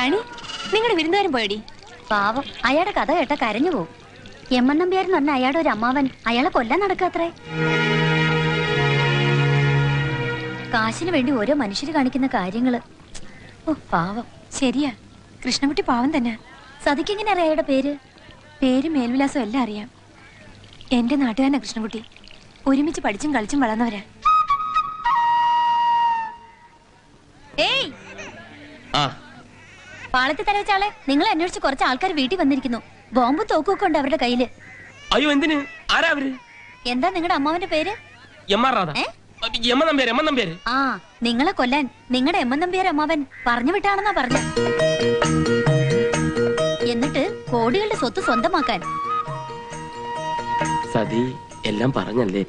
റാണി, നിങ്ങളുടെ വിരുന്നുകാരൻ പോയടി? പാവം, അയാളുടെ കഥ കേട്ട കരഞ്ഞു പോകും. എമ്മൻ നമ്പ്യാരെന്ന് പറഞ്ഞ അയാളുടെ ഒരു അമ്മാവൻ അയാളെ കൊല്ലാൻ നടക്കാത്രേ. കാശിന് വേണ്ടി ഓരോ മനുഷ്യര് കാണിക്കുന്ന കാര്യങ്ങള്. ഓ പാവം. ശരിയാ, കൃഷ്ണൻകുട്ടി പാവം തന്നെ. സതിക്കെങ്ങനെ അറിയാം അയാളുടെ പേര്? പേര് മേൽവിലാസം എല്ലാം അറിയാം. എന്റെ നാട്ടുകാരനാ കൃഷ്ണൻകുട്ടി. ഒരുമിച്ച് പഠിച്ചും കളിച്ചും വളർന്നവരാ. ഏയ് പാളത്തിൽ തലവെച്ചാളെ, നിങ്ങൾ അന്വേഷിച്ച് കുറച്ച് ആൾക്കാർ വീട്ടിൽ വന്നിരിക്കുന്നു. ബോംബും തോക്കൊക്കെ ഉണ്ട് അവരുടെ കയ്യില്. അയ്യോ, എന്തിന്? ആരാ അവര്? എന്താ നിങ്ങളുടെ അമ്മാവന്റെ പേര്? ആ, നിങ്ങളെ കൊല്ലാൻ നിങ്ങളുടെ എമ്മൻ നമ്പ്യാർ അമ്മാവൻ പറഞ്ഞു വിട്ടാണെന്നാ പറഞ്ഞ. എന്നിട്ട് കോടികളുടെ സ്വത്ത് സ്വന്തമാക്കാൻ. സതി എല്ലാം പറഞ്ഞല്ലേ?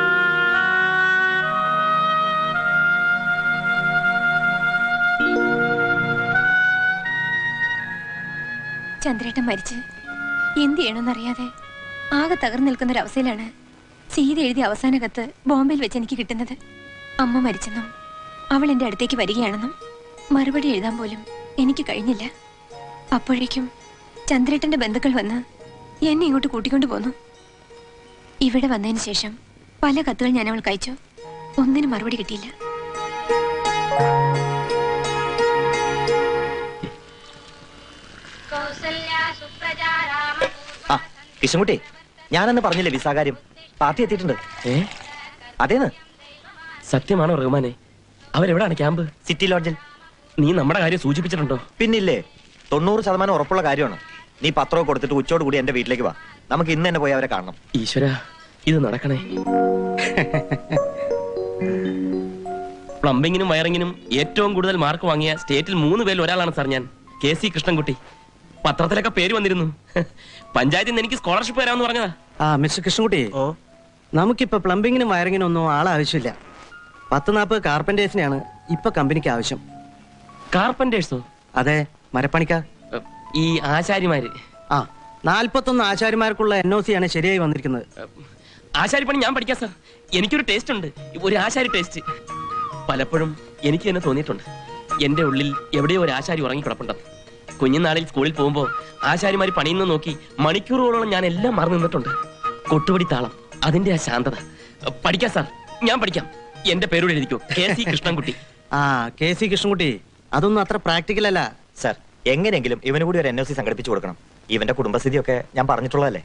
ചന്ദ്രേട്ടൻ മരിച്ച് എന്ത് ചെയ്യണമെന്നറിയാതെ ആകെ തകർന്നു നിൽക്കുന്നൊരവസ്ഥയിലാണ് സീത എഴുതിയ അവസാന കത്ത് ബോംബെയിൽ വെച്ച് എനിക്ക് കിട്ടുന്നത്. അമ്മ മരിച്ചെന്നും അവൾ എൻ്റെ അടുത്തേക്ക് വരികയാണെന്നും മറുപടി എഴുതാൻ പോലും എനിക്ക് കഴിഞ്ഞില്ല. അപ്പോഴേക്കും ചന്ദ്രേട്ടന്റെ ബന്ധുക്കൾ വന്ന് എന്നെ ഇങ്ങോട്ട് കൂട്ടിക്കൊണ്ടു പോന്നു. ഇവിടെ വന്നതിന് ശേഷം പല കത്തുകൾ ഞാൻ അവൾക്ക് അയച്ചു. ഒന്നിനും മറുപടി കിട്ടിയില്ല. കൃഷ്ണൻകുട്ടി, ഞാനെന്ന് പറഞ്ഞില്ലേ വിസാകാര്യം? പാർട്ടി എത്തിയിട്ടുണ്ട്. അതേന്ന്? സത്യമാണോ റഹ്മാനെ? അവരെവിടാണ് ക്യാമ്പ്? സിറ്റി ലോഡ്ജിൽ. നീ നമ്മുടെ കാര്യം സൂചിപ്പിച്ചിട്ടുണ്ടോ? പിന്നില്ലേ, 90% ഉറപ്പുള്ള കാര്യമാണ്. നീ പത്രമൊക്കെ കൊടുത്തിട്ട് ഉച്ചയോട് കൂടി എന്റെ വീട്ടിലേക്ക് വാ. നമുക്ക് ഇന്ന് തന്നെ പോയി അവരെ കാണണം. ഈശ്വര, ഇത് നടക്കണേ. പ്ലംബിങ്ങിനും വയറിങ്ങിനും ഏറ്റവും കൂടുതൽ മാർക്ക് വാങ്ങിയ സ്റ്റേറ്റിൽ 3 പേരിൽ ഒരാളാണ് സാർ ഞാൻ. KC കൃഷ്ണൻകുട്ടി. പത്രത്തിലൊക്കെ പേര് വന്നിരുന്നു. പഞ്ചായത്തിൽ നിന്ന് എനിക്ക് സ്കോളർഷിപ്പ് തരാമെന്ന് പറഞ്ഞതാ. മിസ്റ്റർ കൃഷ്ണൻകുട്ടി, നമുക്കിപ്പോ പ്ലംബിങ്ങിനും വയറിങ്ങിനും ഒന്നും ആളാവശ്യമില്ല. 10-40 കാർപ്പന്റേഴ്സിനെയാണ് ഇപ്പൊ കമ്പനിക്ക് ആവശ്യം. കാർപ്പന്റേഴ്സോ? അതെ, മരപ്പണിക്കാർ. ഈ ആശാരിമാര്? 41 ആശാരിമാർക്കുള്ള NOC ആണ് ശരിയായി വന്നിരിക്കുന്നത്. ആശാരിപ്പണി ഞാൻ പഠിക്കാം സാർ. എനിക്കൊരു ടേസ്റ്റ് ഉണ്ട്, ഒരു ആശാരി ടേസ്റ്റ്. പലപ്പോഴും എനിക്ക് തന്നെ തോന്നിയിട്ടുണ്ട് എന്റെ ഉള്ളിൽ എവിടെയോ ഒരു ആശാരി ഉറങ്ങിക്കിടപ്പുണ്ടെന്ന്. കുഞ്ഞുനാളിൽ സ്കൂളിൽ പോകുമ്പോൾ ആശാരിമാര് പണിയുന്നു നോക്കി മണിക്കൂറുകളോളം ഞാൻ എല്ലാം മറന്നു നിന്നിട്ടുണ്ട്. കൊട്ടുപടി താളം, അതിന്റെ ആ ശാന്തത. പഠിക്കാം സാർ, ഞാൻ പഠിക്കാം. എന്റെ പേരോട് എഴുതിക്കോ, KC കൃഷ്ണൻകുട്ടി. KC കൃഷ്ണൻകുട്ടി, അതൊന്നും അത്ര പ്രാക്ടിക്കൽ അല്ല സാർ. എങ്ങനെയെങ്കിലും ഇവന് കൂടി ഒരു NOC സംഘടിപ്പിച്ചു കൊടുക്കണം. ഇവന്റെ കുടുംബസ്ഥിതിയൊക്കെ ഞാൻ പറഞ്ഞിട്ടുള്ളതല്ലേ.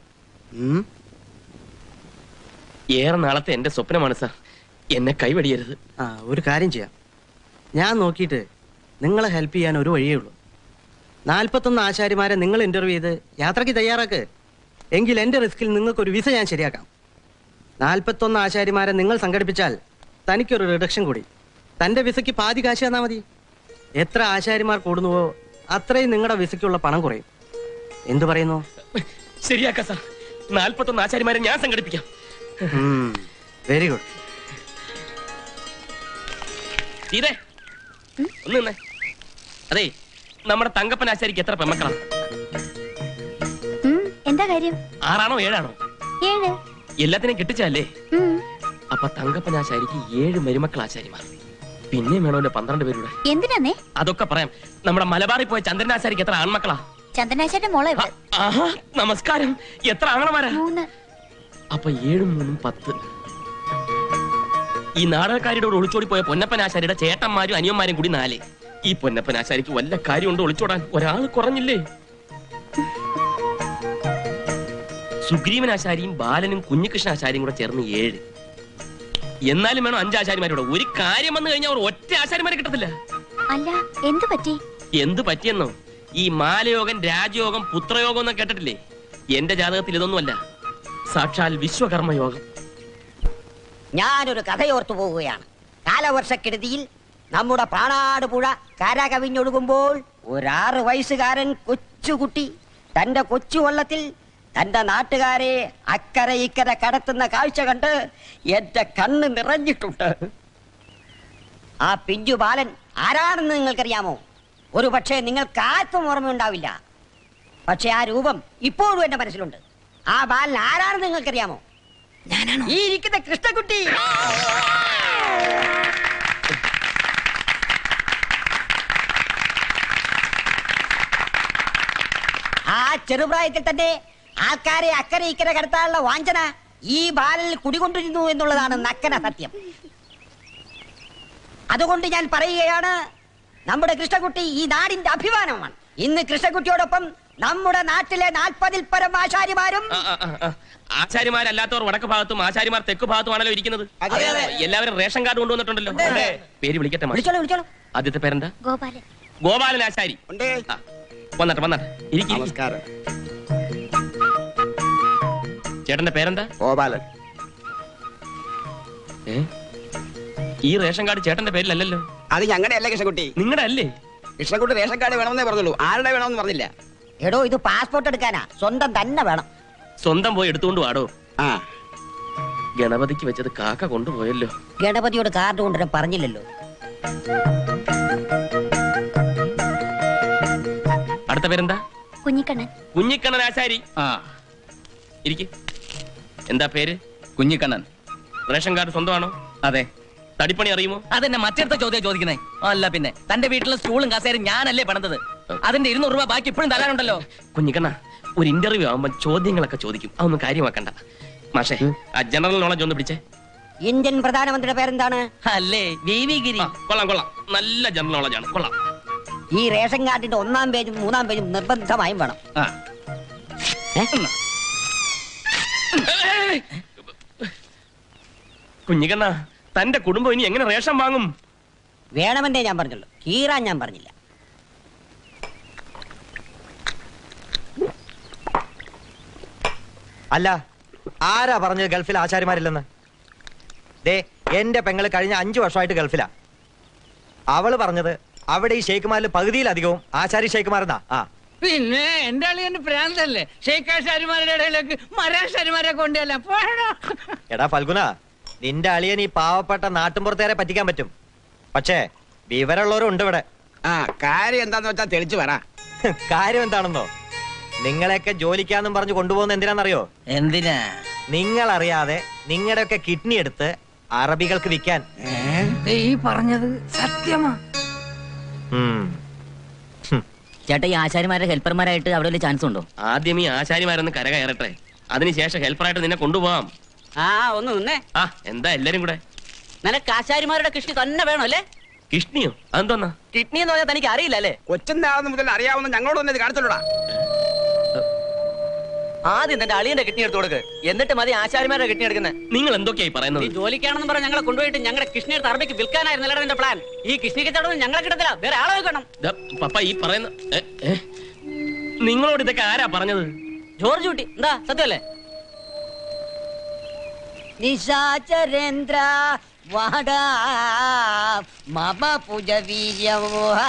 ഏറെ നാളത്തെ എന്റെ സ്വപ്നമാണ് സാർ, എന്നെ കൈവടിയരുത്. ഒരു കാര്യം ചെയ്യാം, ഞാൻ നോക്കിയിട്ട് നിങ്ങളെ ഹെൽപ്പ് ചെയ്യാൻ ഒരു വഴിയേ ഉള്ളൂ. 41 ആശാരിമാരെ നിങ്ങൾ ഇന്റർവ്യൂ ചെയ്ത് യാത്രയ്ക്ക് തയ്യാറാക്ക്. എങ്കിൽ എന്റെ റിസ്കിൽ നിങ്ങൾക്കൊരു വിസ ഞാൻ ശരിയാക്കാം. 41 ആശാരിമാരെ നിങ്ങൾ സംഘടിപ്പിച്ചാൽ തനിക്കൊരു റിഡക്ഷൻ കൂടി. തന്റെ വിസയ്ക്ക് പാതി കാശ് തന്നാൽ മതി. എത്ര ആശാരിമാർ കൂടുന്നുവോ അത്രയും നിങ്ങളുടെ വിസയ്ക്കുള്ള പണം കുറയും. എന്തു പറയുന്നു? ശരിയാക്കാം സാർ. 41 ആശാരിമാരെ ഞാൻ സംഘടിപ്പിക്കാം. Very good. ഇതേ ഒന്ന് നിന്നേ. അതെ, നമ്മുടെ തങ്കപ്പൻ ആശാരിക്ക് എത്ര പെമ്മക്കളാണ്? എന്താ കാര്യം? 6 ആണോ 7 ആണോ? 7. എല്ലാത്തിനും കിട്ടിച്ചല്ലേ? അപ്പൊ തങ്കപ്പൻ ആശാരിക്ക് 7 മരുമക്കൾ ആശാരിമാർ. പിന്നെ വേണമല്ലോ 12 പേരുടെ. എന്തിനാന്നേ? അതൊക്കെ പറയാം. നമ്മുടെ മലബാറിൽ പോയ ചന്ദ്രനാശാരിക്ക് എത്ര ആൺമക്കളാ? ചന്ദ്രനാശാന്റെ മോളെ. നമസ്കാരം. എത്ര ആങ്ങളമാരാ? 3. അപ്പൊ 7 3 10. ഈ നാടകക്കാരിയോട് ഒളിച്ചോടി പോയ പൊന്നപ്പനാശാരിയുടെ ചേട്ടന്മാരും അനിയന്മാരും കൂടി 4. ഈ പൊന്നപ്പനാശാരിക്ക് വല്ല കാര്യമുണ്ട് ഒളിച്ചോടാൻ? ഒരാൾ കുറഞ്ഞില്ലേ? സുഗ്രീവനാശാരിയും ബാലനും കുഞ്ഞികൃഷ്ണാശാരിയും കൂടെ ചേർന്ന് 7. എന്നാലും വേണം 5 ആശാരിമാരോട്. ഒരു കാര്യം വന്നു കഴിഞ്ഞാൽ അവർ ഒറ്റ ആശാരിമാരെ കിട്ടത്തില്ല. അല്ല, എന്ത് പറ്റി? എന്ത് പറ്റിയെന്നോ? ഈ മാലയോഗം, രാജയോഗം, പുത്രയോഗം എന്നൊക്കെ കേട്ടിട്ടില്ലേ? എന്റെ ജാതകത്തിൽ ഇതൊന്നുമല്ല, സാക്ഷാൽ വിശ്വകർമ്മയോഗം. ഞാനൊരു കഥയോർത്തു പോവുകയാണ്. കാലവർഷക്കെടുതിയിൽ നമ്മുടെ പ്രാണാട് പുഴ കരകവിഞ്ഞൊഴുകുമ്പോൾ ഒരു 6 വയസ്സുകാരൻ കൊച്ചുകുട്ടി തന്റെ കൊച്ചു വള്ളത്തിൽ തന്റെ നാട്ടുകാരെ അക്കരെ ഇക്കരെ കടത്തുന്ന കാഴ്ച കണ്ട് എന്റെ കണ്ണ് നിറഞ്ഞിട്ടുണ്ട്. ആ പിഞ്ചു ബാലൻ ആരാണെന്ന് നിങ്ങൾക്കറിയാമോ? ഒരു പക്ഷേ നിങ്ങൾക്ക് ആർക്കും ഓർമ്മയുണ്ടാവില്ല. പക്ഷെ ആ രൂപം ഇപ്പോഴും എന്റെ മനസ്സിലുണ്ട്. ആ ബാലൻ ആരാണെന്ന് നിങ്ങൾക്കറിയാമോ? ഈ ഇരിക്കുന്ന കൃഷ്ണൻകുട്ടി. ചെറുപ്രായത്തിൽ തന്നെ ആൾക്കാരെ അക്കരെ ഇക്കരെ കടത്താനുള്ള വാഞ്ചന ഈ ബാലനിൽ കുടികൊണ്ടിരുന്നു എന്നുള്ളതാണ് നക്കന സത്യം. അതുകൊണ്ട് ഞാൻ പറയുകയാണ്, നമ്മുടെ കൃഷ്ണകുട്ടി ഈ നാടിന്റെ അഭിമാനമാണ്. ഇന്ന് കൃഷ്ണകുട്ടിയോടൊപ്പം നമ്മുടെ നാട്ടിലെ 40-ൽ പരം ആശാരിമാരും ആശാരിമാരല്ലാത്തവർ വടക്ക് ഭാഗത്തും ആശാരിമാർ തെക്ക് ഭാഗത്തുമാണല്ലോ ഇരിക്കുന്നത്. എല്ലാവരും റേഷൻ കാർഡ് കൊണ്ടുവന്നിട്ടുണ്ടല്ലോ. പേര് വിളിക്കട്ടെ മാഷ്. വിളിച്ചോളൂ വിളിച്ചോളൂ. ആദ്യത്തെ പേരെന്താ? ഗോപാലൻ. ഗോപാലൻ ആശാരി. വന്നട്ടെ ഇരിക്കും. ചേട്ടന്റെ പേരെന്താ? ഗോപാലൻ. ഈ റേഷൻ കാർഡ് ചേട്ടന്റെ പേരിലല്ലല്ലോ. അത് ഞങ്ങളുടെ അല്ലേ കൃഷ്ണകുട്ടി? നിങ്ങളുടെ അല്ലേ? കൃഷ്ണകുട്ടി റേഷൻ കാർഡ് വേണമെന്നേ പറഞ്ഞുള്ളൂ, ആരുടെ വേണമെന്ന് പറഞ്ഞില്ല. എടോ, ഇത് പാസ്പോർട്ട് എടുക്കാനാ, സ്വന്തം തന്നെ വേണം. സ്വന്തം പോയി എടുത്തുകൊണ്ട് വാടോ. ആ, ഗണപതിക്ക് വെച്ചത് കാക്ക കൊണ്ടുപോയല്ലോ. ഗണപതിയോട് കാർഡ് കൊണ്ടുവരാൻ പറഞ്ഞില്ലല്ലോ. അടുത്ത പേരെന്താ? കുഞ്ഞിക്കണ്ണൻ. കുഞ്ഞിക്കണ്ണൻ ആശാരി. ഇരിക്ക്. എന്താ പേര്? കുഞ്ഞിക്കണ്ണൻ. റേഷൻ കാർഡ് സ്വന്തമാണോ? അതെ. തടിപ്പണി അറിയുമോ? അതെന്നെ മറ്റടുത്ത ചോദ്യം ചോദിക്കുന്നേ. അല്ല പിന്നെ തന്റെ വീട്ടിലെ സ്റ്റൂളും കസേരയും ഞാനല്ലേ പണിതത്. അതിന്റെ 200 രൂപ ബാക്കി ഇപ്പോഴും തരാനുണ്ടല്ലോ. കുഞ്ഞിക്കണ്ണ, ഒരു ഇന്റർവ്യൂ ആവുമ്പോ ചോദ്യങ്ങളൊക്കെ ചോദിക്കും, അതൊന്നും കാര്യമാക്കണ്ട. മാഷേ, ആ ജനറൽ നോളജ് ഒന്ന് പിടിച്ചേ. ഇന്ത്യൻ പ്രധാനമന്ത്രിയുടെ പേരെന്താണ്? അല്ലേ, വി.വി. ഗിരി. കൊള്ളാം കൊള്ളാം, നല്ല ജനറൽ നോളജ് ആണ്, കൊള്ളാം. ഈ റേഷൻ കാർഡിന്റെ 1-ാം പേജും 3-ാം പേജും നിർബന്ധമായും വേണം. കുഞ്ഞിക്കണ്ണ, തന്റെ കുടുംബം ഇനി എങ്ങനെ റേഷൻ വാങ്ങും? വേണമെന്നേ ഞാൻ പറഞ്ഞുള്ളൂ, കീറാൻ ഞാൻ പറഞ്ഞില്ല. അല്ല, ആരാ പറഞ്ഞത് ഗൾഫിൽ ആശാരിമാരില്ലെന്ന്? ദേ, എന്റെ പെങ്ങള് കഴിഞ്ഞ 5 വർഷമായിട്ട് ഗൾഫിലാ. അവള് പറഞ്ഞത് അവിടെ ഈ ഷെയ്ഖുമാരിൽ പകുതിയിലധികവും ആശാരി ഷെയ്ഖുമാരെന്നാ. പിന്നെ എന്റെ അളിയന്റെ പ്രാന്തല്ലേ ഷെയ്ഖാശാരിമാരുടെ ഇടയിലേക്ക് മരാശാരിമാരെ കൊണ്ടല്ല. എടാ ഫൽഗുന, നിന്റെ അളിയൻ ഈ പാവപ്പെട്ട നാട്ടുമ്പുറത്തേരെ പറ്റിക്കാൻ പറ്റും, പക്ഷേ വിവരമുള്ളവരും ഉണ്ട് ഇവിടെ. ആ, കാര്യം എന്താന്ന് വെച്ചാ തെളിച്ചു പറ. കാര്യം എന്താണെന്നോ? നിങ്ങളെയൊക്കെ ജോലിക്കാന്നും പറഞ്ഞു കൊണ്ടുപോകുന്ന എന്തിനാണെന്നറിയോ? എന്തിനാ? നിങ്ങൾ അറിയാതെ നിങ്ങളുടെയൊക്കെ കിഡ്നി എടുത്ത് അറബികൾക്ക് വിൽക്കാൻ. ഈ പറഞ്ഞത് സത്യമാ. ചേട്ടാ, ഈ ആശാരിമാരുടെ ഹെൽപ്പർമാരായിട്ട് അവിടെ വലിയ ചാൻസ് ഉണ്ടോ? ആദ്യം ഈ ആശാരിമാരൊന്ന് കരകയറട്ടെ, അതിനുശേഷം ഹെൽപ്പറായിട്ട് നിന്നെ കൊണ്ടുപോവാം. ആ, ഒന്ന് നിന്നേ. ആ, എന്താ എല്ലാരും കൂടെ? നിനക്ക് ആശാരിമാരുടെ കിഷ്ണി തന്നെ വേണം അല്ലേ? കിഷ്ണിയോ? അതെന്തോന്നാ? കിഡ്നി എന്ന് പറഞ്ഞാൽ തനിക്ക് അറിയില്ല അല്ലേ? കൊച്ചിന്റെ മുതൽ അറിയാവുന്ന ഞങ്ങളോട് തന്നെ ഇത് കാണിച്ചോടാ. ആദ്യം തന്റെ അളിയന്റെ കിഡ്നി എടുത്തു കൊടുക്ക്, എന്നിട്ട് മതി ആശാരിമാരുടെ കിഡ്നി എടുക്കുന്നത്. നിങ്ങൾ എന്തൊക്കെയായി പറയുന്നത്? ഈ ജോലിക്കാണെന്ന് പറഞ്ഞ് ഞങ്ങളെ കൊണ്ടുപോയിട്ട് ഞങ്ങളുടെ കിഷ്ണി എടുത്ത് അറബിക്ക് വിൽക്കാനായിരുന്നല്ലോ എന്റെ പ്ലാൻ. ഈ കിഷ്ണി കച്ചവടം ഞങ്ങളെ കിട്ടത്തില്ല, വേറെ ആളെ വെക്കണം. പപ്പ ഈ പറയുന്ന നിങ്ങളോട് ഇതൊക്കെ ആരാ പറഞ്ഞത്? ജോർജ് കുട്ടി. എന്താ സത്യമല്ലേ? നിശാചരേന്ദ്ര വാടാ മമ പൂജവീര്യം.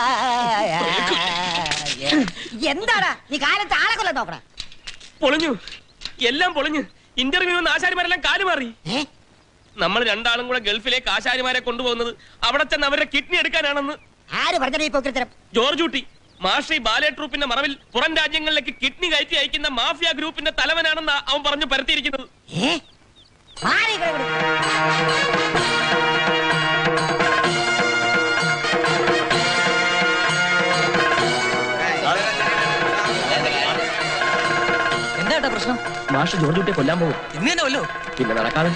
എന്താടാ നീ കാലത്ത് ആളെ കൊല്ലാൻ നോക്കണ? പൊളിഞ്ഞു, എല്ലാം പൊളിഞ്ഞു. ഇന്റർവ്യൂ ആശാരിമാരെല്ലാം കാലുമാറി. നമ്മൾ രണ്ടാളും കൂടെ ഗൾഫിലേക്ക് ആശാരിമാരെ കൊണ്ടുപോകുന്നത് അവിടെ ചെന്ന് അവരുടെ കിഡ്നി എടുക്കാനാണെന്ന്. ആര് പറഞ്ഞ? ജോർജ് കുട്ടി മാഷി ബാലെ ട്രൂപ്പിന്റെ മറവിൽ പുറം രാജ്യങ്ങളിലേക്ക് കിഡ്നി കയറ്റി അയക്കുന്ന മാഫിയ ഗ്രൂപ്പിന്റെ തലവനാണെന്ന് അവൻ പറഞ്ഞു പരത്തിയിരിക്കുന്നത്. എന്താ പ്രശ്നം? മാഷ് ജോർജ് കുട്ടിയെ കൊല്ലാൻ പോകും. ഇന്ന് തന്നെ വല്ലോ? പിന്നെ നടക്കാതെ.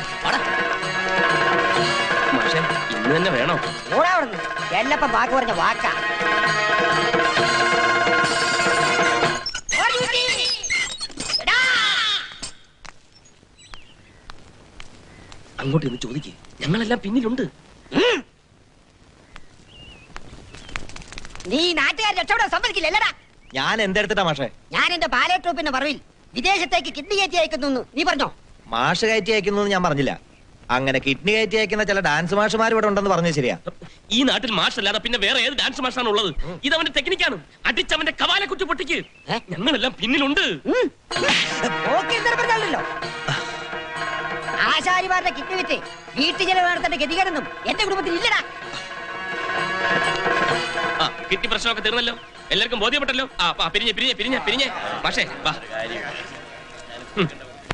മാഷെ, ഇന്ന് തന്നെ വേണോ? എല്ലപ്പം വാക്ക് പറഞ്ഞ വാക്കാ. അങ്ങോട്ട് ഇന്ന് ചോദിക്കേ, ഞങ്ങളെല്ലാം പിന്നിലുണ്ട്. നീ നാട്ടുകാർ രക്ഷപ്പെടാൻ സമ്മതിക്കില്ലല്ലടാ. ഞാൻ എന്തെടുത്തിട്ടാ മാഷേ? ഞാൻ എന്റെ ബാലെ ട്രൂപ്പിന്റെ മറവിൽ വിദേശത്തേക്ക് കിഡ്നി കയറ്റി അയക്കുന്നു നീ പറഞ്ഞോ? മാഷ് കയറ്റി അയക്കുന്നു ഞാൻ പറഞ്ഞില്ല. അങ്ങനെ കിഡ്നി കയറ്റി അയക്കുന്ന ചില ഡാൻസ് മാഷുമാർ ഇവിടെ ഉണ്ടെന്ന് പറഞ്ഞത് ശരിയാ. ഈ നാട്ടിൽ മാഷ് അല്ലാതെ പിന്നെ വേറെ ഏത് ഡാൻസ് മാഷാണ് ഉള്ളത്? ഇതവന്റെ ടെക്നിക്കാണ്. അടിച്ചവന്റെ കവാലെ കുറ്റി പൊട്ടിക്ക്. ഞങ്ങളെല്ലാം പിന്നിലുണ്ട്. ആശാരിമാരുടെ കിഡ്നി വിറ്റ് വീട്ടു ചെലവ് നടത്തേണ്ട ഗതികേടൊന്നും എന്റെ കുടുംബത്തിൽ ഇല്ലടാ. ആ, കിഡ്നി പ്രശ്നമൊക്കെ തീർന്നല്ലോ, എല്ലാവർക്കും ബോധ്യപ്പെട്ടല്ലോ. ആ, പിരിഞ്ഞേ മാഷേ വാ.